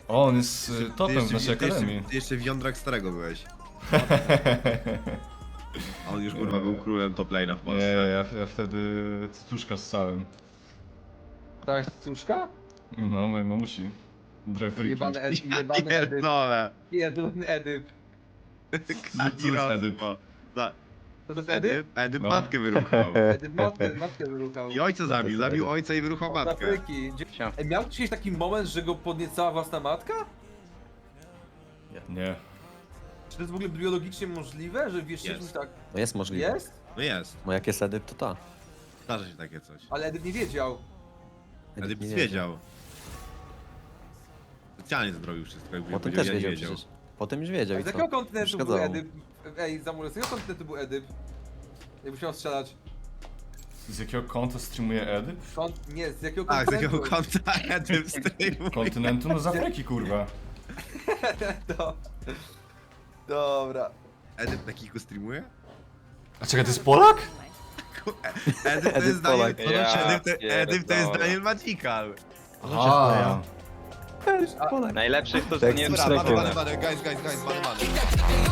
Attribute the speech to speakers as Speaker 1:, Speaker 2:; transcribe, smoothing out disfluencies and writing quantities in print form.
Speaker 1: O, on jest topem w
Speaker 2: Ty
Speaker 1: naszej akademii.
Speaker 2: Ty jeszcze w jądrach starego byłeś. A on już kurwa był królem top lane'a w
Speaker 1: Nie,
Speaker 2: Polsce.
Speaker 1: ja wtedy cycuszka ssałem.
Speaker 3: Tak, cóżka?
Speaker 1: No, mojej mamusi. Drefriki.
Speaker 3: Jebany Edyp.
Speaker 2: Pierdolę.
Speaker 3: Jeden Edyp.
Speaker 1: Co jest Edyp?
Speaker 3: To jest Edyp?
Speaker 2: Edyp
Speaker 1: No.
Speaker 2: matkę wyruchał.
Speaker 3: Edyp matkę wyruchał.
Speaker 2: I ojca zabił, zabił ojca i wyruchał
Speaker 3: Od
Speaker 2: matkę.
Speaker 3: Afryki. Ej, miał gdzieś taki moment, że go podniecała własna matka?
Speaker 1: Nie.
Speaker 3: Czy to jest w ogóle biologicznie możliwe, że wiesz,
Speaker 2: Jest.
Speaker 3: czymś tak
Speaker 4: No jest możliwe.
Speaker 3: jest?
Speaker 2: No jest,
Speaker 4: Bo jak jest Edyp, to ta.
Speaker 2: zdarza się takie coś.
Speaker 3: Ale Edyp nie wiedział.
Speaker 2: Edyp
Speaker 4: nie
Speaker 2: nic wiedział. Specjalnie zbroił wszystko, jakby
Speaker 4: Potem
Speaker 2: powiedział,
Speaker 4: też
Speaker 2: ja nie
Speaker 4: wiedział przecież. Potem już wiedział
Speaker 3: A
Speaker 4: i
Speaker 3: z
Speaker 4: co?
Speaker 3: jakiego kontynentu był
Speaker 4: Przeszkadzało mu.
Speaker 3: Edyp? Ej, Zamule, z jakiego kontynentu był Edyp? Jakbyś miał strzelać.
Speaker 1: Z jakiego konta streamuje Edyp?
Speaker 3: Nie, z jakiego
Speaker 2: Tak, z
Speaker 3: kontynentu?
Speaker 2: jakiego konta Edyp streamuje.
Speaker 1: Kontynentu? No z Afryki, kurwa.
Speaker 3: To... Dobra.
Speaker 2: Edyp na kiku streamuje?
Speaker 1: A czekaj, to jest Polak?
Speaker 2: Edyp to
Speaker 4: Edyp
Speaker 2: jest Daniel...
Speaker 4: Polak.
Speaker 2: Edyp to jest Daniel Magical.
Speaker 1: A.
Speaker 5: Najlepszych to
Speaker 4: Tak,
Speaker 5: nie
Speaker 4: z
Speaker 2: Dobra,
Speaker 4: Szrekiem.
Speaker 2: bany, guys, bany.